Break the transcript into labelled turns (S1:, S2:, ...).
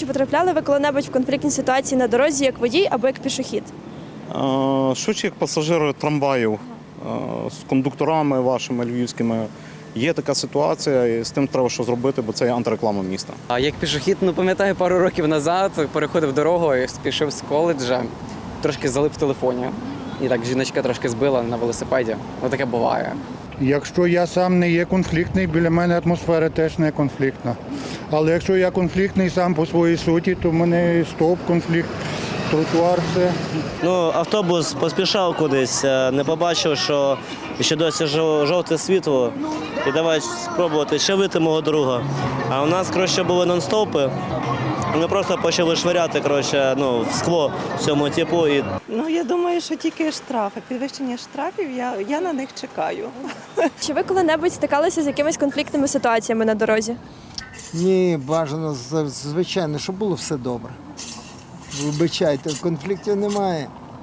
S1: чи потрапляли ви коли-небудь в конфліктні ситуації на дорозі як водій або як пішохід?
S2: Швидше як пасажири трамваїв з кондукторами вашими львівськими. Є така ситуація, і з тим треба що зробити, бо це є антиреклама міста.
S3: А як пішохід, пам'ятаю, пару років назад переходив дорогу і спішив з коледжа, трошки залип в телефоні. І так жіночка трошки збила на велосипеді. Таке буває.
S4: Якщо я сам не є конфліктний, біля мене атмосфера теж не конфліктна. Але якщо я конфліктний сам по своїй суті, то в мене стоп, конфлікт, тротуар, все.
S5: Автобус поспішав кудись, не побачив, що ще досі жовте світло. І давай спробувати ще вийти мого друга. А у нас, були нон-стопи. Ми просто почали швиряти, в скло цьому типу.
S6: Я думаю, що тільки штрафи. Підвищення штрафів, я на них чекаю.
S1: Чи ви коли-небудь стикалися з якимись конфліктними ситуаціями на дорозі?
S7: Ні, бажано, звичайно, щоб було все добре. Вибачайте, конфліктів немає.